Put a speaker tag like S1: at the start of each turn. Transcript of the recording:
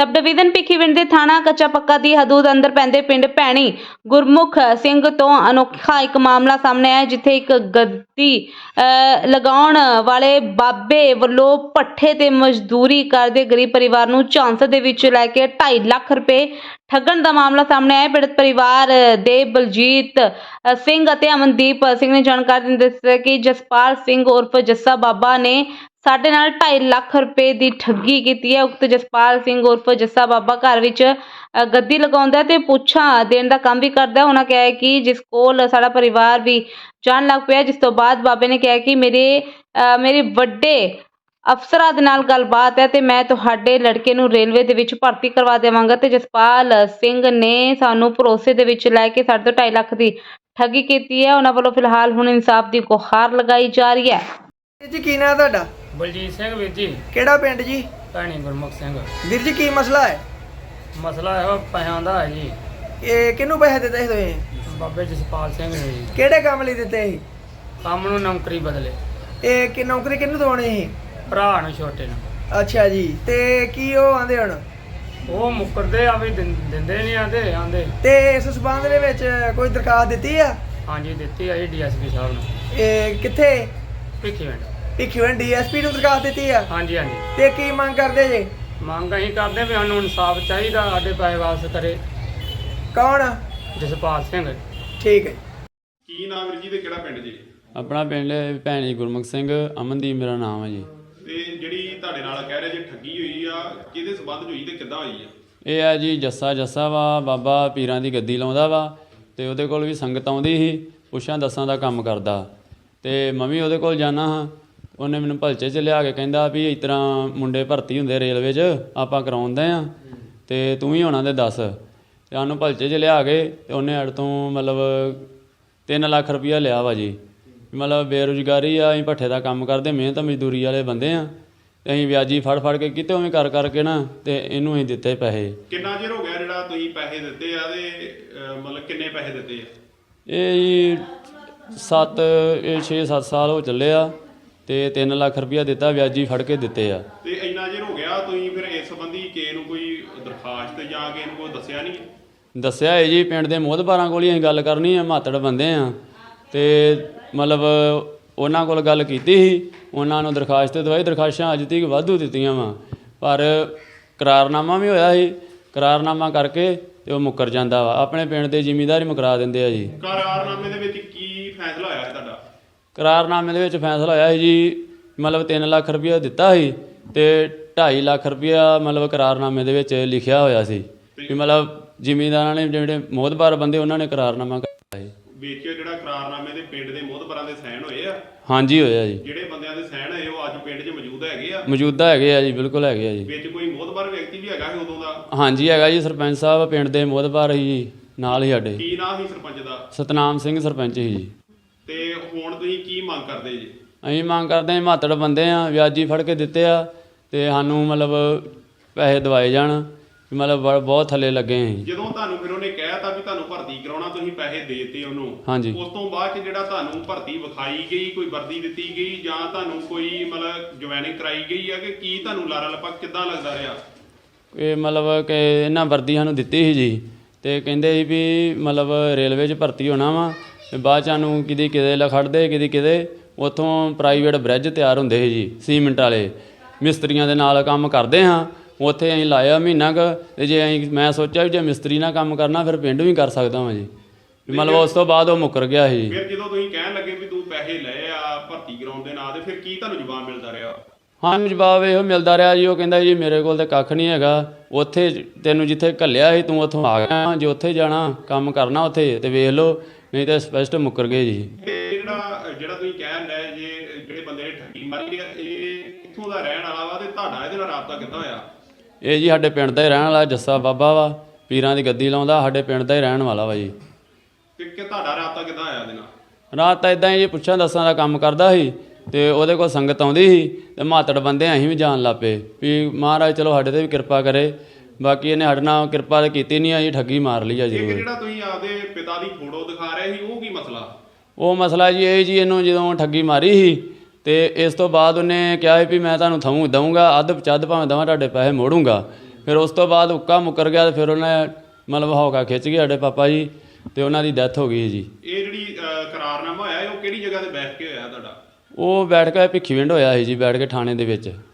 S1: Sub division Bhikhiwind ਦੇ ਥਾਣਾ ਕੱਚਾ ਪੱਕਾ ਦੀ ਹਦੂਦ ਅੰਦਰ ਪੈਂਦੇ ਪਿੰਡ ਭੈਣੀ ਗੁਰਮੁਖ ਸਿੰਘ ਤੋਂ ਅਨੋਖਾ ਇੱਕ ਮਾਮਲਾ ਸਾਹਮਣੇ ਆਇਆ ਜਿੱਥੇ ਇੱਕ ਗੱਦੀ ਲਗਾਉਣ ਵਾਲੇ ਬਾਬੇ ਵੱਲੋਂ ਪੱਠੇ ਤੇ ਮਜ਼ਦੂਰੀ ਕਰਦੇ ਗਰੀਬ ਪਰਿਵਾਰ ਨੂੰ ਝਾਂਸੇ ਦੇ ਵਿੱਚ ਲੈ ਕੇ 2.5 ਲੱਖ ਰੁਪਏ ਠੱਗਣ ਦਾ ਮਾਮਲਾ ਸਾਹਮਣੇ ਆਇਆ। ਪੀੜਤ ਪਰਿਵਾਰ ਦੇ ਬਲਜੀਤ ਸਿੰਘ ਅਤੇ ਅਮਨਦੀਪ ਸਿੰਘ ਨੇ ਜਾਣਕਾਰੀ ਦਿੰਦੇ ਦੱਸਿਆ ਕਿ ਜਸਪਾਲ ਸਿੰਘ ਉਰਫ ਜੱਸਾ ਬਾਬਾ ਨੇ ਸਾਡੇ ਨਾਲ 2.5 ਲੱਖ ਰੁਪਏ ਦੀ ਠੱਗੀ ਕੀਤੀ ਹੈ। ਉਕਤ ਜਸਪਾਲ ਸਿੰਘ ਉਰਫ ਜੱਸਾ ਬਾਬਾ ਘਰ ਵਿੱਚ ਗੱਦੀ ਲਗਾਉਂਦਾ ਤੇ ਪੁੱਛਾਂ ਦੇਣ ਦਾ ਕੰਮ ਵੀ ਕਰਦਾ। ਉਹਨਾਂ ਕਿਹਾ ਹੈ ਕਿ ਜਿਸ ਕੋਲ ਸਾਡਾ ਪਰਿਵਾਰ ਵੀ ਜਾਣ ਲੱਗ ਪਿਆ, ਜਿਸ ਤੋਂ ਬਾਅਦ ਬਾਬੇ ਨੇ ਕਿਹਾ ਕਿ ਮੇਰੇ ਵੱਡੇ ਅਫਸਰਾਂ ਦੇ ਨਾਲ ਗੱਲਬਾਤ ਹੈ ਤੇ ਮੈਂ ਤੁਹਾਡੇ ਲੜਕੇ ਨੂੰ ਰੇਲਵੇ ਦੇ ਵਿੱਚ ਭਰਤੀ ਕਰਵਾ ਦੇਵਾਂਗਾ। ਤੇ ਜਸਪਾਲ ਸਿੰਘ ਨੇ ਸਾਨੂੰ ਭਰੋਸੇ ਦੇ ਵਿੱਚ ਲੈ ਕੇ ਸਾਡੇ ਤੋਂ 2.5 ਲੱਖ ਦੀ ਠੱਗੀ ਕੀਤੀ ਹੈ। ਉਹਨਾਂ ਵੱਲੋਂ ਫਿਲਹਾਲ ਹੁਣ ਇਨਸਾਫ ਦੀ ਗੁਹਾਰ ਲਗਾਈ ਜਾ ਰਹੀ ਹੈ।
S2: ਜੀ ਕੀ ਨਾਂ ਤੁਹਾਡਾ?
S3: ਬਲਜੀਤ ਸਿੰਘ ਵੀਰ ਜੀ,
S2: ਕਿਹੜਾ ਪਿੰਡ ਜੀ?
S3: ਭੈਣੀ ਗੁਰਮੁਖ ਸਿੰਘ।
S2: ਵੀਰ ਜੀ ਕੀ ਮਸਲਾ ਹੈ?
S3: ਮਸਲਾ ਇਹੋ ਪੈਸਿਆਂ ਦਾ ਹੈ ਜੀ।
S2: ਇਹ ਕਿਹਨੂੰ ਪੈਸੇ ਦਿੱਤੇ ਸੀ ਤੁਸੀਂ?
S3: ਬਾਬੇ ਜਸਪਾਲ ਸਿੰਘ ਨੇ ਜੀ।
S2: ਕਿਹੜੇ ਕੰਮ ਲਈ ਦਿੱਤੇ ਸੀ?
S3: ਕੰਮ ਨੂੰ ਨੌਕਰੀ ਬਦਲੇ।
S2: ਇਹ ਕਿ ਨੌਕਰੀ ਕਿਹਨੂੰ ਦਵਾਉਣੀ ਸੀ?
S3: ਭਰਾ ਨੂੰ ਛੋਟੇ ਨੂੰ।
S2: ਅੱਛਾ ਜੀ, ਤੇ ਕੀ ਉਹ ਆਂਦੇ ਹੁਣ?
S3: ਉਹ ਮੁੱਕਰਦੇ ਆ ਵੀ ਦਿੰਦੇ ਨਹੀਂ ਆਂਦੇ।
S2: ਤੇ ਇਸ ਸਬੰਧ ਦੇ ਵਿੱਚ ਕੋਈ ਦਰਖਾਸਤ ਦਿੱਤੀ ਆ?
S3: ਹਾਂਜੀ ਦਿੱਤੀ ਆ ਜੀ ਡੀਐਸਪੀ ਸਾਹਿਬ ਨੂੰ।
S2: ਇਹ ਕਿੱਥੇ?
S3: ਭਿੱਖੀਵਿੰਡ।
S2: ਭਿੱਖੀਵਿੰਡ ਡੀਐਸਪੀ ਨੂੰ ਦਰਖਾਸਤ ਦਿੱਤੀ ਆ?
S3: ਹਾਂਜੀ।
S2: ਤੇ ਕੀ ਮੰਗ ਕਰਦੇ ਜੇ?
S3: ਮੰਗ ਅਸੀਂ ਕਰਦੇ ਵੀ ਸਾਨੂੰ ਇਨਸਾਫ ਚਾਹੀਦਾ, ਸਾਡੇ ਪੈਸੇ ਵਾਪਸ ਕਰੇ।
S2: ਕੌਣ?
S3: ਜਸਪਾਲ ਸਿੰਘ।
S2: ਠੀਕ ਹੈ।
S4: ਕੀ ਨਾਮ ਵੀਰ ਜੀ ਤੇ ਕਿਹੜਾ ਪਿੰਡ ਜੀ?
S5: ਆਪਣਾ ਪਿੰਡ ਭੈਣੀ ਗੁਰਮੁਖ ਸਿੰਘ, ਅਮਨਦੀਪ ਮੇਰਾ ਨਾਮ ਹੈ ਜੀ।
S4: ਤੇ ਜਿਹੜੀ ਤੁਹਾਡੇ ਨਾਲ ਕਹਿ ਰਹੇ ਜੇ ਠੱਗੀ ਹੋਈ ਆ, ਕਿਹਦੇ ਸਬੰਧ 'ਚ ਹੋਈ ਤੇ ਕਿੱਦਾਂ ਹੋਈ ਆ?
S5: ਇਹ ਹੈ ਜੀ ਜੱਸਾ ਵਾ, ਬਾਬਾ ਪੀਰਾਂ ਦੀ ਗੱਦੀ ਲਾਉਂਦਾ ਵਾ ਤੇ ਉਹਦੇ ਕੋਲ ਵੀ ਸੰਗਤ ਆਉਂਦੀ ਸੀ, ਪੁੱਛਾਂ ਦੱਸਾਂ ਦਾ ਕੰਮ ਕਰਦਾ ਤੇ ਮੈਂ ਵੀ ਉਹਦੇ ਕੋਲ ਜਾਣਾ ਹਾਂ। ਉਹਨੇ ਮੈਨੂੰ ਭਲਚੇ 'ਚ ਲਿਆ ਕੇ ਕਹਿੰਦਾ ਵੀ ਇਸ ਤਰ੍ਹਾਂ ਮੁੰਡੇ ਭਰਤੀ ਹੁੰਦੇ ਰੇਲਵੇ 'ਚ, ਆਪਾਂ ਕਰਾਉਂਦੇ ਆ ਤੇ ਤੂੰ ਵੀ ਹੋਣਾ ਤੇ ਦੱਸ। ਤੇ ਸਾਨੂੰ ਭਲਚੇ 'ਚ ਲਿਆ ਕੇ ਤੇ ਉਹਨੇ ਸਾਡੇ ਤੋਂ ਮਤਲਬ 3 ਲੱਖ ਰੁਪਈਆ ਲਿਆ ਵਾ ਜੀ। ਮਤਲਬ ਬੇਰੁਜ਼ਗਾਰੀ ਆ, ਅਸੀਂ ਭੱਠੇ ਦਾ ਕੰਮ ਕਰਦੇ, ਮਿਹਨਤ ਮਜ਼ਦੂਰੀ ਵਾਲੇ ਬੰਦੇ ਆ ਤੇ ਅਸੀਂ ਵਿਆਜੀ ਫੜ ਕੇ ਕਿਤੇ ਉਵੇਂ ਕਰਕੇ ਨਾ ਤੇ ਇਹਨੂੰ ਅਸੀਂ ਦਿੱਤੇ ਪੈਸੇ।
S4: ਕਿੰਨਾ ਚਿਰ ਹੋ ਗਿਆ ਜਿਹੜਾ ਤੁਸੀਂ ਪੈਸੇ ਦਿੱਤੇ ਆ ਤੇ ਮਤਲਬ ਕਿੰਨੇ ਪੈਸੇ ਦਿੱਤੇ ਆ?
S5: ਇਹ ਜੀ 6-7 ਸਾਲ ਹੋ ਚੱਲੇ ਆ ਤੇ 3 ਲੱਖ ਰੁਪਈਆ ਦਿੱਤਾ, ਵਿਆਜੀ ਫੜ ਕੇ ਦਿੱਤੇ ਆ।
S4: ਤੇ ਇੰਨਾ ਚਿਰ ਹੋ ਗਿਆ, ਤੁਸੀਂ ਫਿਰ ਇਸ ਸੰਬੰਧੀ ਕਿਸੇ ਨੂੰ ਕੋਈ ਦਰਖਾਸਤ ਜਾਂ ਕਿਸੇ ਨੂੰ ਕੋਈ ਦੱਸਿਆ ਨਹੀਂ?
S5: ਦੱਸਿਆ ਹੈ ਜੀ, ਪਿੰਡ ਦੇ ਮੋਹਤਬਾਰਾਂ ਕੋਲ ਹੀ ਅਸੀਂ ਗੱਲ ਕਰਨੀ ਆ, ਮਾਤੜ ਬੰਦੇ ਆ ਤੇ ਮਤਲਬ ਉਹਨਾਂ ਕੋਲ ਗੱਲ ਕੀਤੀ ਸੀ, ਉਹਨਾਂ ਨੂੰ ਦਰਖਾਸਤ ਦਵਾਈ। ਦਰਖਾਸਤਾਂ ਅੱਜ ਤੱਕ ਵਾਧੂ ਦਿੱਤੀਆਂ ਵਾ, ਪਰ ਕਰਾਰਨਾਮਾ ਵੀ ਹੋਇਆ ਸੀ, ਕਰਾਰਨਾਮਾ ਕਰਕੇ ਤੇ ਉਹ ਮੁੱਕਰ ਜਾਂਦਾ ਵਾ। ਆਪਣੇ ਪਿੰਡ ਦੇ ਜ਼ਿਮੀਂਦਾਰ ਹੀ ਮੁਕਰਾ ਦਿੰਦੇ ਆ ਜੀ।
S4: ਕਰਾਰਨਾਮੇ ਦੇ ਵਿੱਚ ਕੀ ਫੈਸਲਾ ਹੋਇਆ ਹੈ ਤੁਹਾਡਾ?
S5: ਕਰਾਰਨਾਮੇ ਦੇ ਵਿੱਚ ਫੈਸਲਾ ਹੋਇਆ ਸੀ ਜੀ, ਮਤਲਬ 3 ਲੱਖ ਰੁਪਈਆ ਦਿੱਤਾ ਸੀ ਤੇ 2.5 ਲੱਖ ਰੁਪਈਆ ਮਤਲਬ ਕਰਾਰਨਾਮੇ ਦੇ ਵਿੱਚ ਲਿਖਿਆ ਹੋਇਆ ਸੀ ਵੀ ਮਤਲਬ ਜ਼ਿਮੀਂਦਾਰਾਂ ਨੇ, ਜਿਹੜੇ ਮੋਹਤਬਾਰ ਬੰਦੇ, ਉਹਨਾਂ ਨੇ ਕਰਾਰਨਾਮਾ ਕੀਤਾ ਸੀ।
S4: ਵਿੱਚ ਜਿਹੜਾ ਕਰਾਰਨਾਮੇ ਦੇ ਪਿੰਡ ਦੇ ਮੋਹਤਬਰਾਂ ਦੇ ਸਾਈਨ ਹੋਏ ਆ?
S5: ਹਾਂਜੀ ਹੋਇਆ ਜੀ।
S4: ਜਿਹੜੇ ਬੰਦਿਆਂ ਦੇ ਸਾਈਨ ਹੋਏ ਉਹ ਅੱਜ ਪਿੰਡ 'ਚ ਮੌਜੂਦ ਹੈਗੇ ਆ?
S5: ਮੌਜੂਦਾ ਹੈਗੇ ਆ ਜੀ, ਬਿਲਕੁਲ ਹੈਗੇ ਆ ਜੀ।
S4: ਵਿੱਚ ਕੋਈ ਮੋਹਤਬਰ ਵਿਅਕਤੀ ਵੀ ਹੈਗਾ ਸੀ ਉਦੋਂ ਦਾ?
S5: ਹਾਂਜੀ ਹੈਗਾ ਜੀ, ਸਰਪੰਚ ਸਾਹਿਬ ਪਿੰਡ ਦੇ ਮੋਹਤਬਾਰ ਸੀ ਜੀ, ਨਾਲ ਹੀ ਸਾਡੇ।
S4: ਕੀ ਨਾਂ ਸੀ ਸਰਪੰਚ ਦਾ?
S5: ਸਤਨਾਮ ਸਿੰਘ ਸਰਪੰਚ ਸੀ ਜੀ।
S4: ਤੇ ਹੁਣ ਤੁਸੀਂ ਕੀ ਮੰਗ ਕਰਦੇ ਜੀ?
S5: ਅਸੀਂ ਮੰਗ ਕਰਦੇ ਹਾਂ, ਮਾਤੜ ਬੰਦੇ ਆ, ਵਿਆਜੀ ਫੜ ਕੇ ਦਿੱਤੇ ਆ ਤੇ ਸਾਨੂੰ ਮਤਲਬ ਪੈਸੇ ਦਵਾਏ ਜਾਣ, ਮਤਲਬ ਬਹੁਤ ਥੱਲੇ ਲੱਗੇ ਅਸੀਂ।
S4: ਜਦੋਂ ਤੁਹਾਨੂੰ ਫਿਰ ਉਹਨੇ ਕਹਿਤਾ ਵੀ ਤੁਹਾਨੂੰ ਭਰਤੀ ਕਰਾਉਣਾ, ਤੁਸੀਂ ਪੈਸੇ ਦੇ ਦਿੱਤੇ ਉਹਨੂੰ,
S5: ਹਾਂਜੀ।
S4: ਉਸ ਤੋਂ ਬਾਅਦ 'ਚ ਜਿਹੜਾ ਤੁਹਾਨੂੰ ਭਰਤੀ ਵਿਖਾਈ ਗਈ, ਕੋਈ ਵਰਦੀ ਦਿੱਤੀ ਗਈ ਜਾਂ ਤੁਹਾਨੂੰ ਕੋਈ ਮਤਲਬ ਜੁਆਇਨਿੰਗ ਕਰਾਈ ਗਈ ਆ ਕਿ ਕੀ ਤੁਹਾਨੂੰ ਲਾਰਾ ਲੱਪਾ ਕਿੱਦਾਂ ਲੱਗਦਾ ਰਿਹਾ?
S5: ਇਹ ਮਤਲਬ ਕਿ ਇਹਨਾਂ ਵਰਦੀ ਸਾਨੂੰ ਦਿੱਤੀ ਸੀ ਜੀ ਤੇ ਕਹਿੰਦੇ ਸੀ ਵੀ ਮਤਲਬ ਰੇਲਵੇ 'ਚ ਭਰਤੀ ਹੋਣਾ ਵਾ ਤੇ ਬਾਅਦ 'ਚ ਸਾਨੂੰ ਕਿਤੇ ਲਖੜਦੇ ਕਿਤੇ ਉੱਥੋਂ ਪ੍ਰਾਈਵੇਟ ਬ੍ਰਿਜ ਤਿਆਰ ਹੁੰਦੇ ਸੀ ਜੀ, ਸੀਮਿੰਟ ਵਾਲੇ ਮਿਸਤਰੀਆਂ ਦੇ ਨਾਲ ਕੰਮ ਕਰਦੇ ਹਾਂ। ਉੱਥੇ ਅਸੀਂ ਲਾਇਆ ਮਹੀਨਾ ਕੁ ਤੇ ਜੇ ਮੈਂ ਸੋਚਿਆ ਵੀ ਜੇ ਮਿਸਤਰੀ ਨਾਲ ਕੰਮ ਕਰਨਾ ਫਿਰ ਪਿੰਡ ਵੀ ਕਰ ਸਕਦਾ ਵਾਂ ਜੀ। ਮਤਲਬ ਉਸ ਤੋਂ ਬਾਅਦ ਉਹ ਮੁੱਕਰ ਗਿਆ ਸੀ।
S4: ਫਿਰ ਜਦੋਂ ਤੁਸੀਂ ਕਹਿਣ ਲੱਗੇ ਵੀ ਤੂੰ ਪੈਸੇ ਲਏ ਆ ਭਰਤੀ ਕਰਾਉਣ ਦੇ ਨਾਂ ਤੇ, ਫਿਰ ਕੀ ਤੁਹਾਨੂੰ ਜਵਾਬ ਮਿਲਦਾ ਰਿਹਾ?
S5: ਹਾਂ ਜਵਾਬ ਇਹੋ ਮਿਲਦਾ ਰਿਹਾ ਜੀ, ਉਹ ਕਹਿੰਦਾ ਜੀ ਮੇਰੇ ਕੋਲ ਤਾਂ ਕੱਖ ਨਹੀਂ ਹੈਗਾ, ਉੱਥੇ ਤੈਨੂੰ ਜਿੱਥੇ ਘੱਲਿਆ ਸੀ ਤੂੰ ਉੱਥੋਂ ਆ ਗਿਆ, ਜੇ ਉੱਥੇ ਜਾਣਾ ਕੰਮ ਕਰਨਾ ਉੱਥੇ ਤੇ ਵੇਖ ਲਓ, ਨਹੀਂ ਤਾਂ ਸਪਸ਼ਟ ਮੁੱਕਰ ਗਏ ਜੀ।
S4: ਜਿਹੜਾ ਤੁਸੀਂ ਕਹਿਣ ਲਏ ਜੇ ਜਿਹੜੇ ਬੰਦੇ ਨੇ ਠੱਗੀ ਮਾਰੀ ਆ, ਇਹ ਕਿੱਥੋਂ ਦਾ ਰਹਿਣ ਵਾਲਾ ਵਾ ਤੇ ਤੁਹਾਡਾ ਇਹਦੇ ਨਾਲ ਰਾਬਤਾ ਕਿੱਦਾਂ ਹੋਇਆ?
S5: ਇਹ ਜੀ ਸਾਡੇ ਪਿੰਡ ਦਾ ਹੀ ਰਹਿਣ ਵਾਲਾ ਜੱਸਾ ਬਾਬਾ ਵਾ, ਪੀਰਾਂ ਦੀ ਗੱਦੀ ਲਾਉਂਦਾ, ਸਾਡੇ ਪਿੰਡ ਦਾ ਹੀ ਰਹਿਣ ਵਾਲਾ ਵਾ ਜੀ।
S4: ਕਿ ਤੁਹਾਡਾ ਰਾਬਤਾ ਕਿੱਦਾਂ ਹੋਇਆ ਇਹਦੇ ਨਾਲ?
S5: ਰਾਤ ਤਾਂ ਇਦਾਂ ਹੀ ਜੀ, ਪੁੱਛਾਂ ਦੱਸਾਂ ਦਾ ਕੰਮ ਕਰਦਾ ਸੀ ਤੇ ਉਹਦੇ ਕੋਲ ਸੰਗਤ ਆਉਂਦੀ ਸੀ ਤੇ ਮਾਤੜ ਬੰਦੇ ਅਸੀਂ ਵੀ ਜਾਣ ਲੱਗ ਪਏ ਵੀ ਮਹਾਰਾਜ ਚਲੋ ਸਾਡੇ 'ਤੇ ਵੀ ਕਿਰਪਾ ਕਰੇ। ਬਾਕੀ ਇਹਨੇ ਸਾਡੇ ਨਾਲ ਕਿਰਪਾ ਤਾਂ ਕੀਤੀ ਨਹੀਂ ਆ ਜੀ, ਠੱਗੀ ਮਾਰ ਲਈ ਆ ਜੀ।
S4: ਜਿਹੜਾ ਤੁਸੀਂ ਆਪਦੇ ਪਿਤਾ ਦੀ ਫੋਟੋ ਦਿਖਾ ਰਹੇ ਸੀ, ਉਹ ਕੀ ਮਸਲਾ?
S5: ਉਹ ਮਸਲਾ ਜੀ ਇਹ ਜੀ, ਇਹਨੂੰ ਜਦੋਂ ਠੱਗੀ ਮਾਰੀ ਸੀ ਤੇ ਇਸ ਤੋਂ ਬਾਅਦ ਉਹਨੇ ਕਿਹਾ ਵੀ ਮੈਂ ਤੁਹਾਨੂੰ ਦਊਂਗਾ, ਅੱਧ ਭਾਵੇਂ ਦਵਾਂ, ਤੁਹਾਡੇ ਪੈਸੇ ਮੋੜੂੰਗਾ। ਫਿਰ ਉਸ ਤੋਂ ਬਾਅਦ ਉੱਕਾ ਮੁੱਕਰ ਗਿਆ ਤੇ ਫਿਰ ਉਹਨੇ ਮਤਲਬ ਹੌਕਾ ਖਿੱਚ ਕੇ ਸਾਡੇ ਪਾਪਾ ਜੀ ਤੇ ਉਹਨਾਂ ਦੀ ਡੈਥ ਹੋ ਗਈ ਜੀ।
S4: ਇਹ ਜਿਹੜੀ ਕਰਾਰਨਾਮਾ ਹੋਇਆ ਉਹ ਕਿਹੜੀ ਜਗ੍ਹਾ ਤੇ ਬੈਠ ਕੇ ਹੋਇਆ ਤੁਹਾਡਾ?
S5: ਉਹ ਬੈਠ ਕੇ ਭਿੱਖੀਵਿੰਡ ਹੋਇਆ ਸੀ ਜੀ, ਬੈਠ ਕੇ ਥਾਣੇ ਦੇ ਵਿੱਚ।